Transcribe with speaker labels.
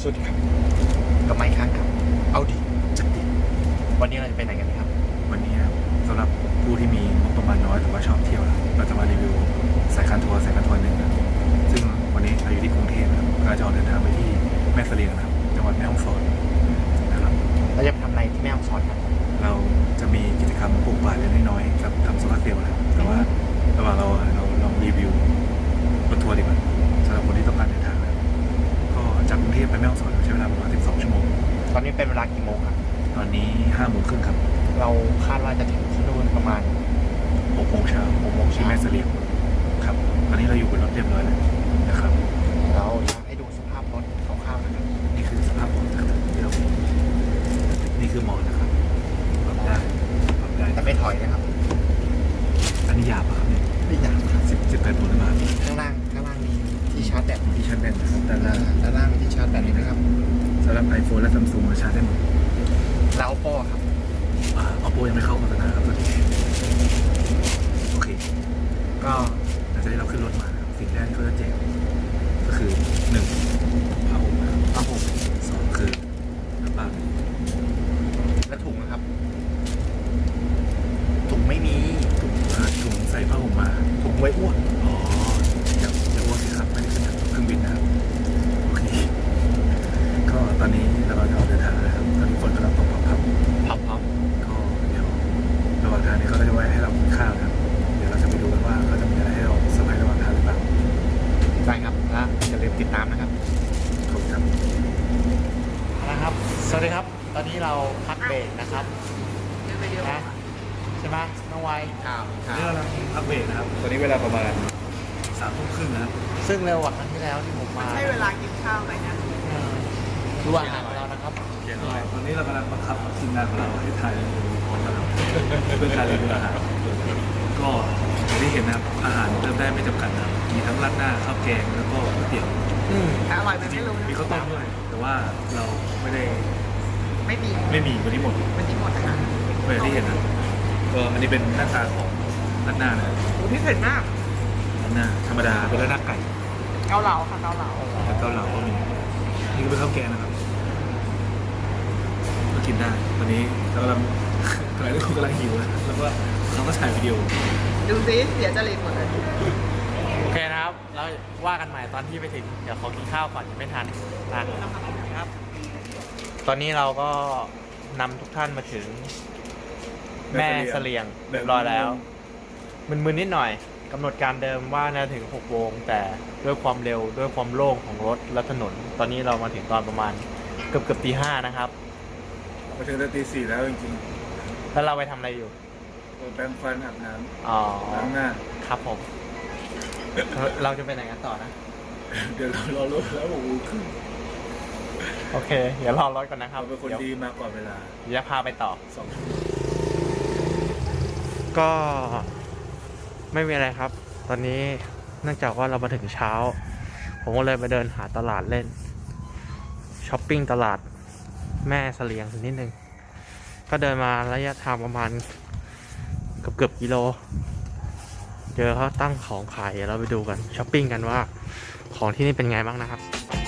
Speaker 1: วัสดีครับกับไมค์ค้างครับเอาดีจัดดีวันนี้เราจะไปไหนกันครับ
Speaker 2: วันนี้ครับสำหรับผู้ที่มีงบประมาณน้อยแต่ว่าชอบเที่ยวนะเราจะมารีวิวสายการทัวร์หนึ่งนะซึ่งวันนี้เราอยู่ที่กรุงเทพนะครับเราจะออกเดินทางไปที่แม่เสลียงนะครับจังหวัดแม่ฮ่องสอนนะครับ
Speaker 1: เราจะทำอะไรที่แม่ฮ่องสอนครับ
Speaker 2: เราจะมีกิจกรรมปลูกป่าเล็กน้อยๆกับทำโซลาร์เซลล์นะครับแต่ว่าระหว่างเราลองรีวิวรถทัวร์ดีกว่าสำหรับคนที่ต้องการเดินทางนะครับก็จากกรุงเทพไปแม่ฮ่องสอนใช้เวลาประมาณ12 ชั่วโมง
Speaker 1: ตอนนี้เป็นเวลากี่โมงครับ
Speaker 2: ตอนนี้5 โมงครึ่งครับ
Speaker 1: เราคาดว่าจะถึงที่นู่นประมาณ
Speaker 2: 6 โมงเช้าที่แม่เสลียงครับตอนนี้เราอยู่บนรถเรียบร้อยแล้วนะครับ
Speaker 1: เราอยากให้ดูสภาพรถคร่าวๆนะครับ
Speaker 2: นี่คือสภาพของที่เรานี่คือหมอนนะครับปรับได้
Speaker 1: แต่ไม่ถอยนะครับ
Speaker 2: อันนี้หยาบครับเนี่ย
Speaker 1: ไม่หยาบครับ
Speaker 2: 18 โวลต์มา
Speaker 1: ข้างล่างมีที่ชาร์จแบต
Speaker 2: นะครับด้าน
Speaker 1: ล่างมีที่ชาร์จแบตนี้นะครับ
Speaker 2: สำหรับ iPhone และ Samsung มาชาร์จได้หมด
Speaker 1: แล้ว Oppo ครับ
Speaker 2: Oppo ยังไม่เข้าโฆษณาครับตอนนี้โอเคก็หลังจากที่เราขึ้นรถมาสิ่งแรกที่เขาจะแจกก็คือ1ผ้าห่มนะครับ
Speaker 1: ผ้าห่ม
Speaker 2: 2คือน้ำเปล่า
Speaker 1: และถุงนะครับถุงไม่มี
Speaker 2: ถุงใส่ผ้าห่มมา
Speaker 1: ถุงไว้อ้วก
Speaker 2: อย่าอ้วกสิครับไม่ได้ขึ้นเครื่องบินนะครับโอเคก็ตอนนี้เราจะเดินทางนะครับตอนนี้ฝนกำลังตกพับก็เดี๋ยวระหว่างทางนี้เขาจะแวะให้เรากินข้าวนะครับเดี๋ยวเราจะไปดูกันว่าเขาจะมีอะไรให้เราเซอร์ไพรส์ระหว่างทางหรือเปล่า
Speaker 1: ได้ครับและอย่าลืมติดตามนะครับ
Speaker 2: ขอบคุณครับ
Speaker 1: นะครับสวัสดีครับตอนนี้เราพักเบรกนะครับนะใช่ไหมน้องไว
Speaker 2: นี่เราพักเบรกนะครับตอนนี้เวลาประมาณ3 ทุ่มครึ่งนะครับ
Speaker 1: ซึ่งเร็วกว่าครั้งที่แล้วที่ผมมา
Speaker 3: ใช่เวลากินข้าวไหมนะ
Speaker 1: ดูอาหารของเรานะครับ
Speaker 2: ตอนนี้เรากำลังบังคับทีมงานของเราให้ถ่ายเพื่อการรีวิวอาหารก็อย่างที่เห็นนะครับอาหารเริ่มได้ไม่จำกัดนะครับมีทั้งราดหน้าข้าวแกงแล้วก็ก๋วยเตี๋ยว
Speaker 3: แต่อร่อยไหมไม่รู้นะ
Speaker 2: มีข้าวต้มด้วยแต่ว่าเราไม่
Speaker 3: มี
Speaker 2: วันนี้หมด
Speaker 3: ค่ะ
Speaker 2: ก็อย่างที่เห็นนะก็อันนี้เป็นหน้าตาของราดหน้านะ
Speaker 3: โอ้พี่เผ็ดมาก
Speaker 2: ราดหน้าธรรมดาเป็นราดหน้าไก่
Speaker 3: เกาเหลาค่ะเกาเหลา
Speaker 2: แล้วเกาเหลาก็มีนี่ก็เป็นข้าวแกงนะครับก็กินได้ตอนนี้เรากำลังทุกคนกำลังหิวนะแล้วก็เราก็ถ่ายวิดีโอ
Speaker 3: ดูซิเสียจริตหมดเลย
Speaker 1: โอเคนะครับแล้วว่ากันใหม่ตอนที่ไปถึงเดี๋ยวขอกินข้าวก่อนยังไม่ทันนะครับตอนนี้เราก็นำทุกท่านมาถึงแม่เสลียงเรียบร้อยแล้วมึนๆนิดหน่อยกำหนดการเดิมว่าน่าถึง6 โมงแต่ด้วยความเร็วด้วยความโล่งของรถและถนนตอนนี้เรามาถึงตอนประมาณเกือบตี 5นะครับ
Speaker 2: มาถึงตี 4แล้วจริง
Speaker 1: ๆแล้วเราไปทำอะไรอยู่
Speaker 2: แปรงฟันอาบน้
Speaker 1: ำ
Speaker 2: ล้างหน้า
Speaker 1: ครับผมเราจะไปไหนกันต่อนะ
Speaker 2: เดี๋ยวเรารอรถแล้ว
Speaker 1: โอเคเดี๋ยวรอรถก่อนนะครับ
Speaker 2: เราเป็นคนดีมาก่อนเวลา
Speaker 1: เดี๋ยวพาไปต่อ
Speaker 2: 2
Speaker 1: ก็ไม่มีอะไรครับตอนนี้เนื่องจากว่าเรามาถึงเช้าผมก็เลยไปเดินหาตลาดเล่นช้อปปิ้งตลาดแม่เสลียงนิดนึงก็เดินมาระยะทางประมาณเกือบกิโลเจอเขาตั้งของขายเดี๋ยวเราไปดูกันช้อปปิ้งกันว่าของที่นี่เป็นไงบ้างนะครับ